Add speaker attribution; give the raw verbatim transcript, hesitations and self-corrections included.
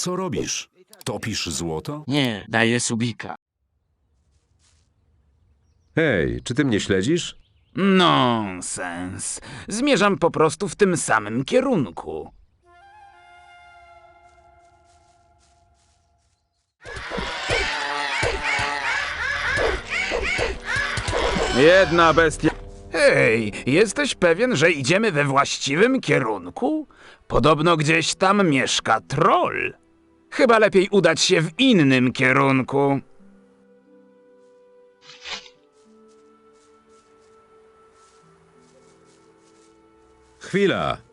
Speaker 1: Co robisz? Topisz złoto?
Speaker 2: Nie, daję subika.
Speaker 3: Hej, czy ty mnie śledzisz?
Speaker 4: Nonsens. Zmierzam po prostu w tym samym kierunku.
Speaker 3: Jedna bestia.
Speaker 4: Hej, jesteś pewien, że idziemy we właściwym kierunku? Podobno gdzieś tam mieszka troll. Chyba lepiej udać się w innym kierunku.
Speaker 3: Chwila.